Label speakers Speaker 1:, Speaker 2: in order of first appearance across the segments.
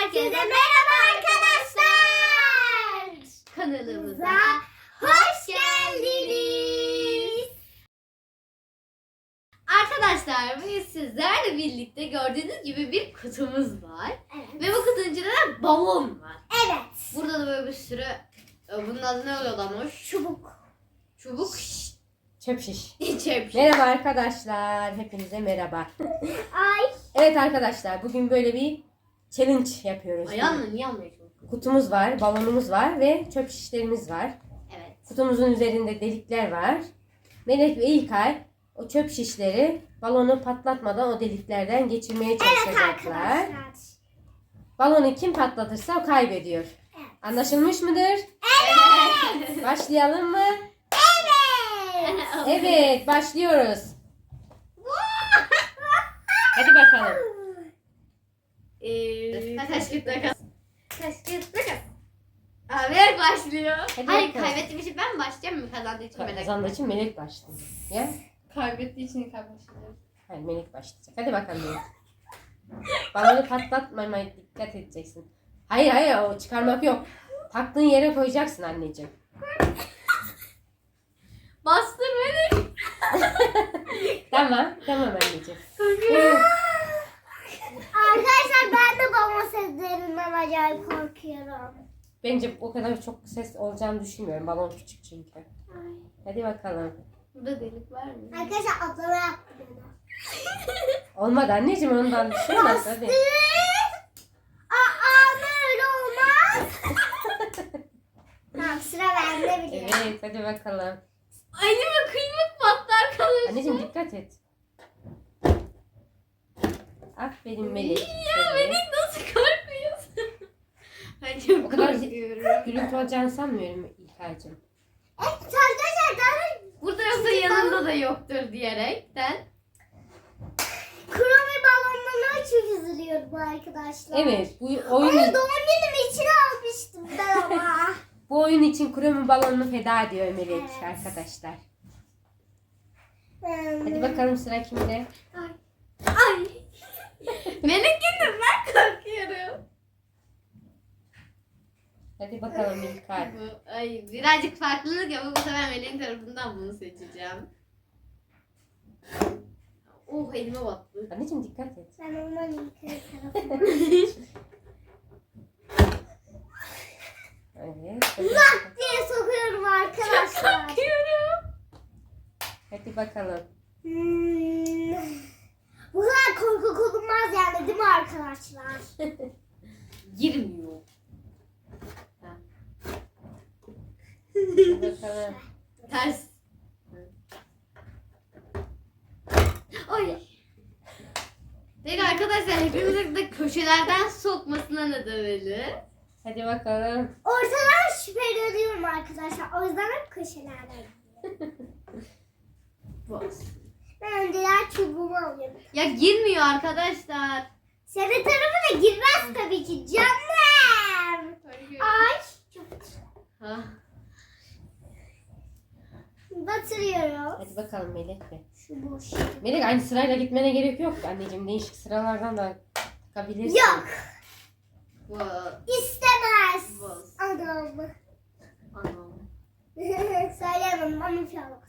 Speaker 1: Herkese merhaba arkadaşlar. Kanalımıza hoş geldiniz. Arkadaşlar bugün sizlerle birlikte gördüğünüz gibi bir kutumuz var.
Speaker 2: Evet.
Speaker 1: Ve bu kutunun içinde de balon var.
Speaker 2: Evet.
Speaker 1: Burada da böyle bir sürü, bunun adı ne oluyorlarmış?
Speaker 2: Çubuk.
Speaker 1: Çubuk.
Speaker 3: Çöp şiş.
Speaker 1: Çöp.
Speaker 3: Merhaba arkadaşlar. Hepinize merhaba.
Speaker 2: Ay.
Speaker 3: Evet arkadaşlar bugün böyle bir challenge yapıyoruz.
Speaker 1: Ayağınla niye anlıyorsun?
Speaker 3: Kutumuz var, balonumuz var ve çöp şişlerimiz var.
Speaker 1: Evet.
Speaker 3: Kutumuzun üzerinde delikler var. Melek ve İlkay o çöp şişleri balonu patlatmadan o deliklerden geçirmeye
Speaker 2: Evet
Speaker 3: çalışacaklar.
Speaker 2: arkadaşlar.
Speaker 3: Balonu kim patlatırsa o kaybediyor.
Speaker 2: Evet.
Speaker 3: Anlaşılmış mıdır?
Speaker 1: Evet.
Speaker 3: Başlayalım mı?
Speaker 2: Evet.
Speaker 3: Evet, başlıyoruz. Hadi bakalım.
Speaker 1: Taş kağıt makas. Taş kağıt makas. Abi başlıyor.
Speaker 3: Hadi
Speaker 1: Hayır,
Speaker 3: bakalım.
Speaker 1: kaybettiğim için ben mi başlayacağım mı? Kazandığı için Melek.
Speaker 3: Kazandığı için Melek başlıyor. Ya?
Speaker 1: Kaybettiği için kaybedeceğim.
Speaker 3: Hayır, Melek başlayacak. Hadi bakalım Melek. Balonu patlatmamaya dikkat edeceksin. Hayır o çıkarmak yok. Taktığın yere koyacaksın anneciğim.
Speaker 1: Bastır Melek.
Speaker 3: Tamam anneciğim.
Speaker 2: Arkadaşlar ben de babamın seslerinden acayip korkuyorum.
Speaker 3: Bence o kadar çok ses olacağını düşünmüyorum. Balon küçük çünkü. Hadi bakalım.
Speaker 1: Burada delik var mı?
Speaker 2: Arkadaşlar ablama yaptı bana.
Speaker 3: Olmadı anneciğim ondan düşürmez hadi.
Speaker 2: Aa böyle olmaz. Tamam sıra bende bile.
Speaker 3: Evet hadi bakalım.
Speaker 1: Anneme kıymak battı arkadaşlar.
Speaker 3: Anneciğim dikkat et. Aferin Melek.
Speaker 1: Ya Melek nasıl korkuyorsun? Ben çok
Speaker 3: O kadar
Speaker 1: korkuyorum.
Speaker 3: gürültü olacağını sanmıyorum İlkay'cığım.
Speaker 2: Evet arkadaşlar daha
Speaker 1: Burada yoksa yanında da yoktur diyerekten.
Speaker 2: kromi balonlarına çok üzülüyorum arkadaşlar.
Speaker 3: Evet bu
Speaker 2: Onu
Speaker 3: oyun
Speaker 2: doğum günüm için almıştım ben ama.
Speaker 3: bu oyun için kromi balonunu feda ediyor Melek
Speaker 2: Evet.
Speaker 3: arkadaşlar.
Speaker 2: Hmm.
Speaker 3: Hadi bakalım sıra kimde?
Speaker 1: Ay. Melek yine ben korkuyorum.
Speaker 3: Hadi bakalım İlkay.
Speaker 1: Ay birazcık farklılık yapıp bu sefer Melek'in tarafından bunu seçeceğim. Oh elime battı.
Speaker 3: Anneciğim dikkat et.
Speaker 2: Ben ondan yukarı tarafına.
Speaker 3: Evet. Hadi,
Speaker 2: diye sokuyorum arkadaşlar.
Speaker 1: Korkuyorum.
Speaker 3: hadi bakalım.
Speaker 2: Bu kadar korkak olunmaz yani değil mi arkadaşlar?
Speaker 1: Girmiyor.
Speaker 3: Hadi bakalım.
Speaker 1: Ters. Ay. Peki arkadaşlar hepimizin de köşelerden sokmasına ne demeli?
Speaker 3: Hadi bakalım.
Speaker 2: Ortadan şüpheleniyorum arkadaşlar. O yüzden hep köşelerden.
Speaker 1: Boz.
Speaker 2: Ben önceler çubuğumu alıyorum.
Speaker 1: Ya girmiyor arkadaşlar.
Speaker 2: Senin tarafına girmez tabii ki canım. Ay. Çok
Speaker 1: Ha.
Speaker 2: batırıyorum.
Speaker 3: Hadi bakalım Melek de.
Speaker 2: Şu boş.
Speaker 3: Melek aynı sırayla gitmene gerek yok anneciğim. Değişik sıralardan da takabilirsin.
Speaker 2: Yok.
Speaker 1: Boz.
Speaker 2: İstemez.
Speaker 1: Boz.
Speaker 2: Adam.
Speaker 1: Anam.
Speaker 2: Söyleyemem ama bir şey olmaz.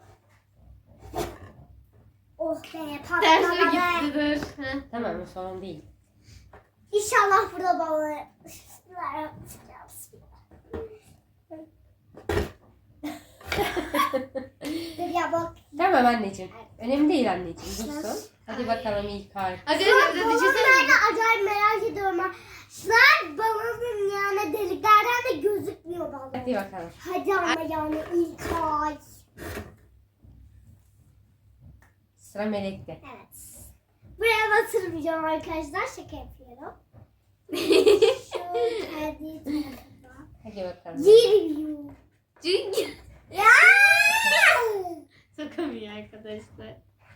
Speaker 2: Oh be
Speaker 1: Tersine
Speaker 2: patlamadı.
Speaker 1: gitti dur. Heh.
Speaker 3: Tamam o sorun değil.
Speaker 2: İnşallah burada balığı. Dur ya bak.
Speaker 3: Tamam anneciğim. Önemli değil anneciğim. Dursun. Hadi bakalım İlkay.
Speaker 1: Arkadaşlar bir şey söyleyeyim.
Speaker 2: Balonlarla acayip merak ediyorum. Arkadaşlar balonun yani deliklerden de gözükmüyor balon.
Speaker 3: Hadi bakalım.
Speaker 2: Hadi ama yani ilk ay.
Speaker 3: Sıra Melek'te.
Speaker 2: Evet. Buraya batırmayacağım arkadaşlar. Şaka yapıyorum. Şu kendi tarafına.
Speaker 3: Hadi bakalım.
Speaker 2: Giriyor.
Speaker 1: Çünkü
Speaker 2: Ya!
Speaker 1: sokamıyor arkadaşlar.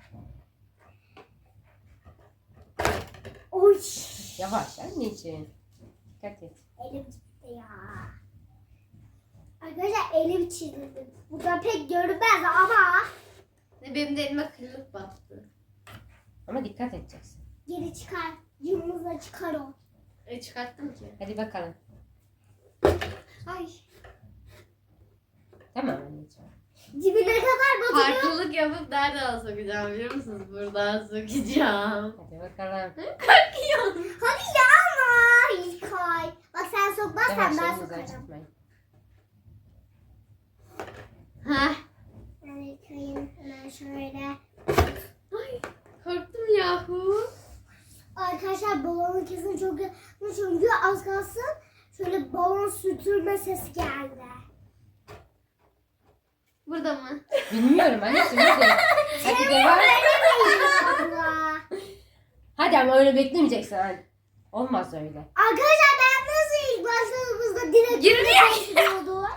Speaker 2: Oy.
Speaker 3: Yavaş anneciğim. Dikkat et.
Speaker 2: Elim gitti ya. Arkadaşlar elim çizildi. Bu da pek görünmez ama
Speaker 1: Benim de elime kırılıp battı.
Speaker 3: Ama dikkat edeceksin.
Speaker 2: geri çıkar. Yumruğuna çıkar o.
Speaker 1: Çıkarttım ki.
Speaker 3: Hadi bakalım.
Speaker 1: Ay.
Speaker 3: Tamam anneciğim.
Speaker 2: Dibine kadar batırıyor.
Speaker 1: Farklılık yapıp nereden sokacağım biliyor musunuz? Buradan sokacağım.
Speaker 3: Hadi bakalım.
Speaker 1: Korkuyorum.
Speaker 2: Hadi ya ama İlkay. Bak sen sokmazsan
Speaker 3: Yavaş
Speaker 2: ben
Speaker 3: elinizi
Speaker 2: sokarım.
Speaker 3: acıtmayın.
Speaker 1: Heh.
Speaker 2: Ben İlkay'ın hemen şöyle.
Speaker 1: Ay, korktum yahu.
Speaker 2: Arkadaşlar balonun kesin çok yakın çünkü az kalsın şöyle balon sütürme sesi geldi.
Speaker 1: Burada mı?
Speaker 3: Bilmiyorum anneciğim hadi. Hadi devam.
Speaker 2: Allah.
Speaker 3: Hadi ama öyle beklemeyeceksin anne. Olmaz öyle.
Speaker 2: Arkadaşlar ben nasıl ilk başladığımızda direkt
Speaker 1: Girmiyor.
Speaker 2: başlıyordu?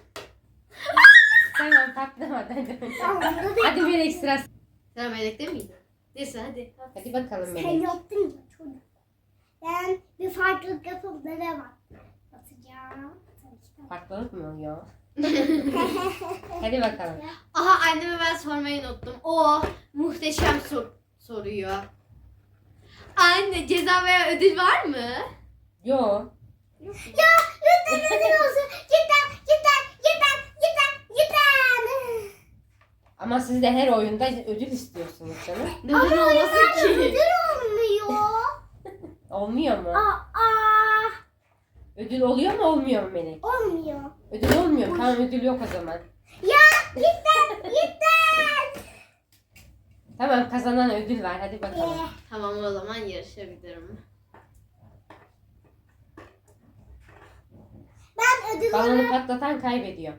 Speaker 3: Tamam patlamadan hadi.
Speaker 2: Tamam burada değil.
Speaker 3: Hadi bir ekstra.
Speaker 1: Sen melekte miydin? Neyse hadi.
Speaker 3: Hadi bakalım
Speaker 2: Sen
Speaker 3: Melek.
Speaker 2: yaptın ya çocuk. Ben bir farklılık yapıp nereye bak. Atacağım.
Speaker 3: Farklılık mı oluyor? Hadi bakalım.
Speaker 1: Aha anneme ben sormayı unuttum. O muhteşem soruyor. Anne ceza veya ödül var mı?
Speaker 3: Yo.
Speaker 2: Ya lütfen ödül olsun. Cidden cidden cidden cidden cidden.
Speaker 3: Ama siz de her oyunda ödül istiyorsunuz canım.
Speaker 1: Neden olmasın ki?
Speaker 2: Ödül olmuyor.
Speaker 3: Olmuyor mu?
Speaker 2: Aa,
Speaker 3: Ödül oluyor mu olmuyor mu Melek?
Speaker 2: olmuyor.
Speaker 3: Ödül olmuyor. Tamam ödül yok o zaman.
Speaker 2: Ya cidden cidden.
Speaker 3: Tamam kazanan ödül var. Hadi bakalım.
Speaker 1: Tamam o zaman yarışabilirim.
Speaker 2: Ben ödül
Speaker 3: Balonu
Speaker 2: olarak
Speaker 3: patlatan kaybediyor.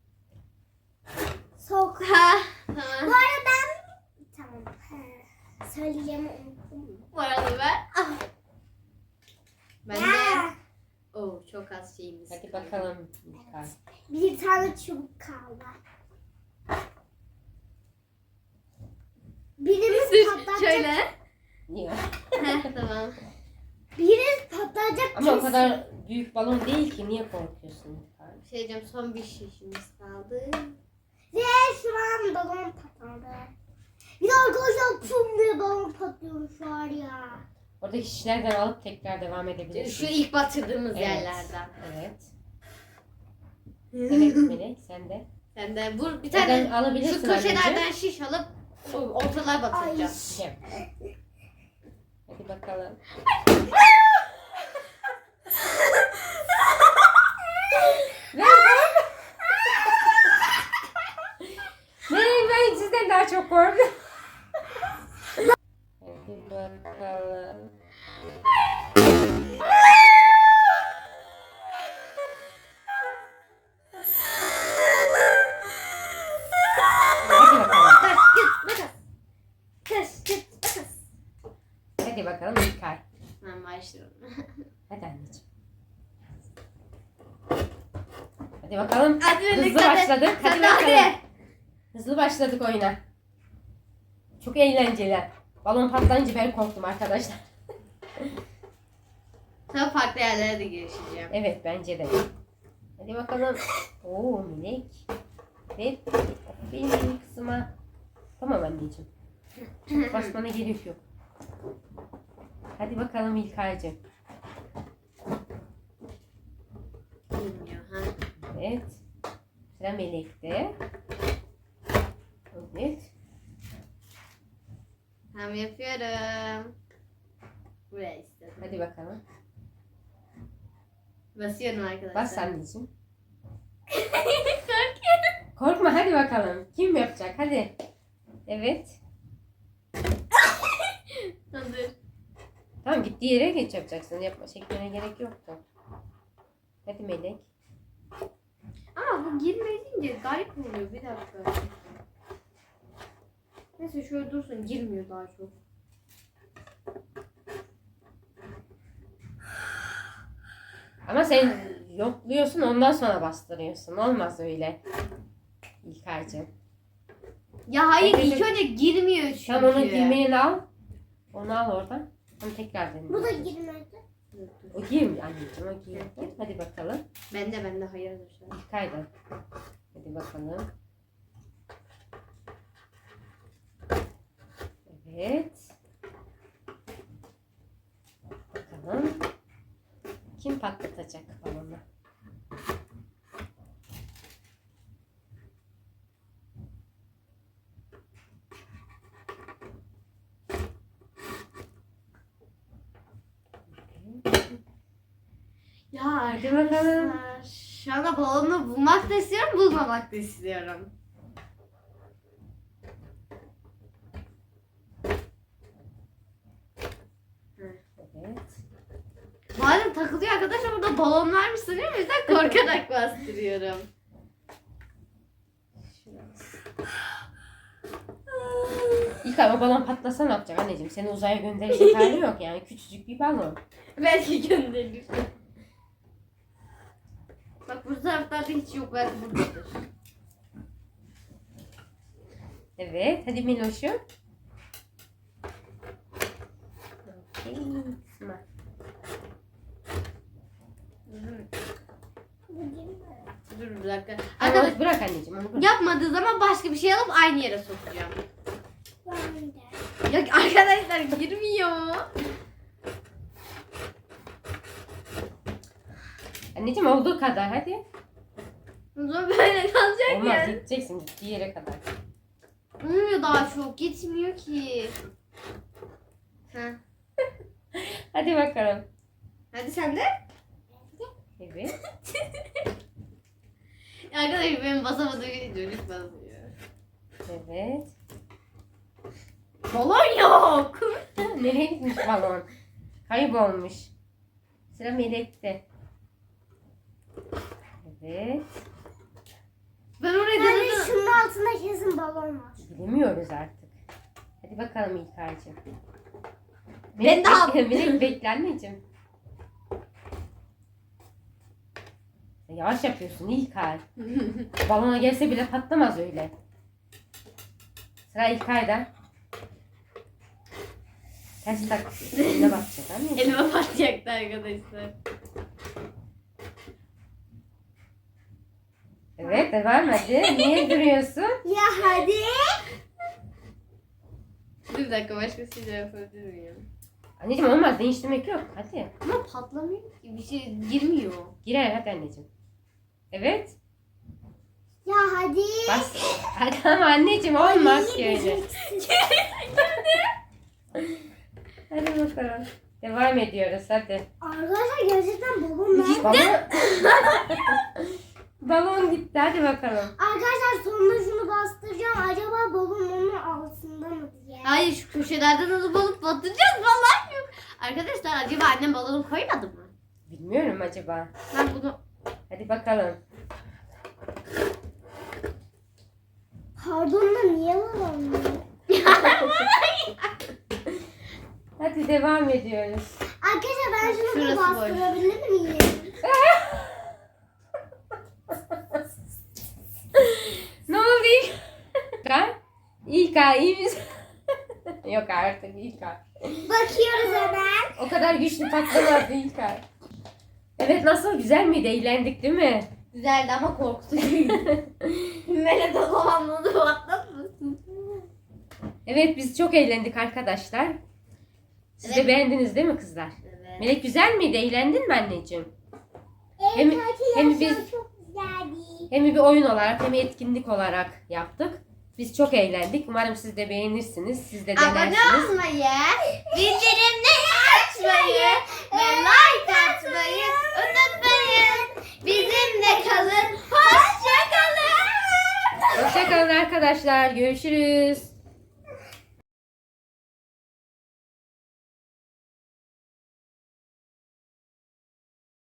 Speaker 2: sok.
Speaker 1: Ha,
Speaker 2: Bu
Speaker 1: tamam.
Speaker 2: arada ben tamam. Söyleyeceğimi unuttum.
Speaker 1: Bu arada ben. Ah. Ben de.
Speaker 2: Ya,
Speaker 1: Çok az şeyimiz.
Speaker 3: Hadi bakalım. İlkay.
Speaker 2: bir tane çubuk kaldı. Birimiz
Speaker 1: Dur
Speaker 2: patlatacak.
Speaker 1: şöyle.
Speaker 3: Niye?
Speaker 1: Heh, tamam.
Speaker 2: Birimiz patlatacak.
Speaker 3: Ama o
Speaker 2: kesin.
Speaker 3: kadar büyük balon değil ki. Niye korkuyorsun İlkay?
Speaker 1: Bir şey diyeceğim son bir şişimiz kaldı.
Speaker 2: Ve şu an balon patladı. Bir de arkadaşlar tüm diye balon patlıyor şu an ya.
Speaker 3: Oradaki şişlerden alıp tekrar devam edebilirsin.
Speaker 1: Şu ilk batırdığımız
Speaker 3: Evet.
Speaker 1: yerlerden.
Speaker 3: Evet. Evet Melek sen de.
Speaker 1: Sen de vur bir
Speaker 3: Neden
Speaker 1: tane
Speaker 3: alabilirsin
Speaker 1: şu köşelerden
Speaker 3: anneciğim?
Speaker 1: şiş alıp ortalığa batıracağız.
Speaker 3: Gel. Hadi bakalım. Melek ben sizden daha çok korktum. Hadi bakalım. Hadi bakalım.
Speaker 1: Taş git makas. Taş git makas.
Speaker 3: Hadi bakalım İlkay.
Speaker 1: Ben başlıyorum.
Speaker 3: Hadi anneciğim. Hadi bakalım.
Speaker 1: Hadi
Speaker 3: Hızlı
Speaker 1: Melek, hadi.
Speaker 3: başladık. Hadi
Speaker 1: Sen de
Speaker 3: bakalım.
Speaker 1: hadi.
Speaker 3: Hızlı başladık oyuna. Çok eğlenceli. Balon patlayınca ben korktum arkadaşlar.
Speaker 1: Sonra farklı yerlere de girişeceğim.
Speaker 3: Evet bence de. Hadi bakalım. Oo Melek. Ve benim kızıma. Tamam anneciğim. Çok basmana gerek yok. Hadi bakalım İlkay'cığım.
Speaker 1: Bilmiyor ha.
Speaker 3: Evet. Sıra Melek'te. Evet.
Speaker 1: Tamam yapıyorum. Buraya istedim.
Speaker 3: Hadi bakalım.
Speaker 1: Basıyorum arkadaşlar.
Speaker 3: Bas anneciğim.
Speaker 1: Korkuyorum.
Speaker 3: Korkma hadi bakalım. Kim yapacak? Hadi. Evet.
Speaker 1: Hazır.
Speaker 3: Tamam gittiği yere geç yapacaksın. Yapma çekmene gerek yoktu. Hadi Melek.
Speaker 1: Ama bu girmeyince garip oluyor. Bir dakika. Neyse şöyle dursun. Girmiyor daha çok.
Speaker 3: Ama sen yokluyorsun ondan sonra bastırıyorsun. Olmaz öyle. İlkay'cığım.
Speaker 1: Ya hayır
Speaker 3: Evet.
Speaker 1: ilk önce girmiyor çünkü.
Speaker 3: Tamam onu girmeyeni al. Onu al oradan. Tam tekrar dene.
Speaker 2: Bu da girmedi.
Speaker 3: O girmiyor anneciğim o girmiyor. Hadi bakalım.
Speaker 1: Bende hayırdır şu an.
Speaker 3: İlkay'dan. Hadi bakalım. Evet. Bakalım. Kim patlatacak balonu?
Speaker 1: Ya
Speaker 3: Hadi bakalım.
Speaker 1: arkadaşlar. Şu anda balonu bulmak da istiyorum, bulmamak da istiyorum.
Speaker 3: Evet.
Speaker 1: Madem takılıyor arkadaşlar, burada balon varmış sanıyorum. O yüzden korkarak bastırıyorum.
Speaker 3: İlkay o balon patlasa ne yapacak anneciğim? Seni uzaya gönderecek hali yok yani. Küçücük bir balon.
Speaker 1: Belki gönderir. Bak bu taraflarda hiç yok. Belki buradadır.
Speaker 3: Evet. Hadi Miloş'um. Okey. Tamam.
Speaker 1: Dur bir dakika.
Speaker 3: Arkadaş
Speaker 1: Arkadaş
Speaker 3: bırak anneciğim onu bırak.
Speaker 1: yapmadığı zaman başka bir şey alıp aynı yere sokacağım.
Speaker 2: Ben de.
Speaker 1: Ya arkadaşlar girmiyor.
Speaker 3: Anneciğim olduğu kadar hadi.
Speaker 1: O zaman böyle kalacak
Speaker 3: Olmaz
Speaker 1: ya.
Speaker 3: gideceksin gittiği yere kadar.
Speaker 1: Olmuyor daha çok. Gitmiyor ki. Heh.
Speaker 3: Hadi bakalım.
Speaker 1: Hadi sen de.
Speaker 3: Evet.
Speaker 1: Arkadaşlar benim basamadığım çocuk basıyor.
Speaker 3: Evet.
Speaker 1: Balon yok.
Speaker 3: Nereye gitmiş balon? Kaybolmuş. Sıra Melek'te. Evet.
Speaker 1: Ben oraya
Speaker 2: Yani
Speaker 1: denedim.
Speaker 2: şunun altında kesin balon var.
Speaker 3: Bilemiyoruz artık. Hadi bakalım İlkay'cığım.
Speaker 1: Ben de aldım.
Speaker 3: Melek bekle anneciğim. Sen yavaş yapıyorsun İlkay. Balona gelse bile patlamaz öyle. Sıra İlkay'da. Ters tak. Ne bakacak anneciğim?
Speaker 1: Elime patlayacaktı arkadaşlar.
Speaker 3: Evet devam hadi. Niye duruyorsun?
Speaker 2: Ya hadi.
Speaker 1: Bir dakika başkasıyla yapabilir miyim?
Speaker 3: Anneciğim olmaz değiştirmek yok. Hadi.
Speaker 1: Ama patlamıyor ki. Bir şey girmiyor.
Speaker 3: Girer hadi anneciğim. Evet.
Speaker 2: Ya hadi.
Speaker 3: Bas. Hadi ama anneciğim olmaz ki öyle. Hadi bakalım. Devam ediyoruz hadi.
Speaker 2: Arkadaşlar gerçekten balon nerede?
Speaker 3: Balon... Balon gitti hadi bakalım.
Speaker 2: Arkadaşlar sonunda şunu bastıracağım. Acaba balon onun altında mı diye.
Speaker 1: Hayır şu köşelerden alıp alıp batıracağız. Vallahi yok. Arkadaşlar acaba annem balonu koymadı mı?
Speaker 3: Bilmiyorum acaba.
Speaker 1: Ben bunu...
Speaker 3: Hadi bakalım.
Speaker 2: Pardon da niye balon yok?
Speaker 3: Hadi devam ediyoruz.
Speaker 2: Arkadaşlar ben şunu bir
Speaker 1: Şurası boş.
Speaker 2: bastırabilir miyim?
Speaker 3: Ne oldu İlkay? İlkay iyi misin? Yok artık İlkay.
Speaker 2: Bakıyoruz hemen.
Speaker 3: O kadar güçlü patlamazdı İlkay. Evet nasıl güzel miydi? Eğlendik değil mi?
Speaker 1: Güzeldi ama korkutucuydu. Melek de zamanladı patlamasın.
Speaker 3: Evet biz çok eğlendik arkadaşlar. Siz de
Speaker 1: Evet.
Speaker 3: beğendiniz değil mi kızlar?
Speaker 1: Evet.
Speaker 3: Melek güzel miydi? Eğlendin mi anneciğim?
Speaker 2: Evet
Speaker 3: Hem
Speaker 2: arkadaşlar
Speaker 3: biz
Speaker 2: çok güzeldi.
Speaker 3: hem bir oyun olarak hem etkinlik olarak yaptık. Biz çok eğlendik. Umarım siz de beğenirsiniz. Siz de
Speaker 1: Abone
Speaker 3: denersiniz.
Speaker 1: olmayı, bildirimleri açmayı ve like atmayı unutmayın. Bizimle kalın. Hoşça kalın.
Speaker 3: Hoşçakalın arkadaşlar. Görüşürüz.